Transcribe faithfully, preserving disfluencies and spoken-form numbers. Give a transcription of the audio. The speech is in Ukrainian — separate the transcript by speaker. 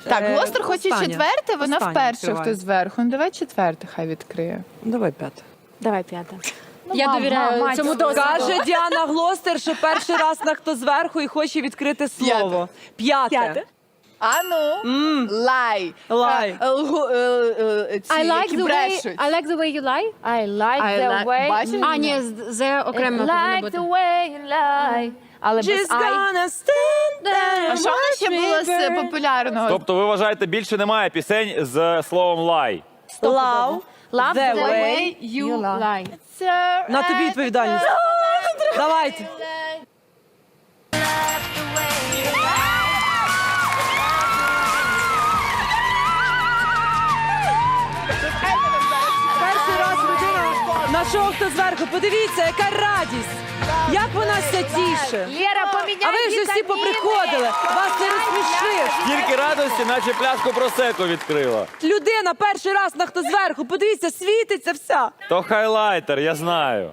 Speaker 1: Так,
Speaker 2: Е,
Speaker 1: Глостер хоче
Speaker 2: остання.
Speaker 1: четверте, вона
Speaker 2: Остання
Speaker 1: вперше
Speaker 2: відкриваю.
Speaker 1: хто зверху. Ну давай четверте хай відкриє.
Speaker 2: Давай п'яте.
Speaker 3: Давай п'ята.
Speaker 4: Я
Speaker 1: мам,
Speaker 4: довіряю
Speaker 1: мам,
Speaker 4: цьому
Speaker 1: мать,
Speaker 4: досвіду.
Speaker 2: Каже Діана Глостер, що перший раз на хто зверху і хоче відкрити слово. П'яте.
Speaker 3: П'яте.
Speaker 1: А ну, лай.
Speaker 2: Лай.
Speaker 1: Е, лгу- е, е, ці,
Speaker 4: I like
Speaker 1: які
Speaker 4: the way,
Speaker 1: брешуть.
Speaker 4: I like the way you lie.
Speaker 3: I like
Speaker 1: I
Speaker 3: the
Speaker 1: like-
Speaker 3: way
Speaker 1: Бачиш?
Speaker 4: А, ні, з- це окремо повинно
Speaker 3: like
Speaker 4: бути.
Speaker 3: the way you lie. Але без
Speaker 2: She's
Speaker 3: I.
Speaker 2: gonna stand there.
Speaker 1: А що в нас ще було з популярного?
Speaker 5: Тобто ви вважаєте, більше немає пісень з словом лай?
Speaker 2: Love
Speaker 3: Love
Speaker 2: the
Speaker 3: the
Speaker 2: way.
Speaker 1: you
Speaker 3: lie.
Speaker 2: На тобі відповідальність. Давайте. Перший раз людина на шоу «Хто зверху». Подивіться, яка радість. Як вона ся тіше.
Speaker 3: Лера, поміняй
Speaker 2: А ви вже всі
Speaker 3: вітаміни.
Speaker 2: поприходили. Вас не розсмішиш.
Speaker 5: Тільки радості, наче пляшку просеко відкрила.
Speaker 2: Людина перший раз на «Хто зверху». Подивіться, світиться вся.
Speaker 5: То хайлайтер, я знаю.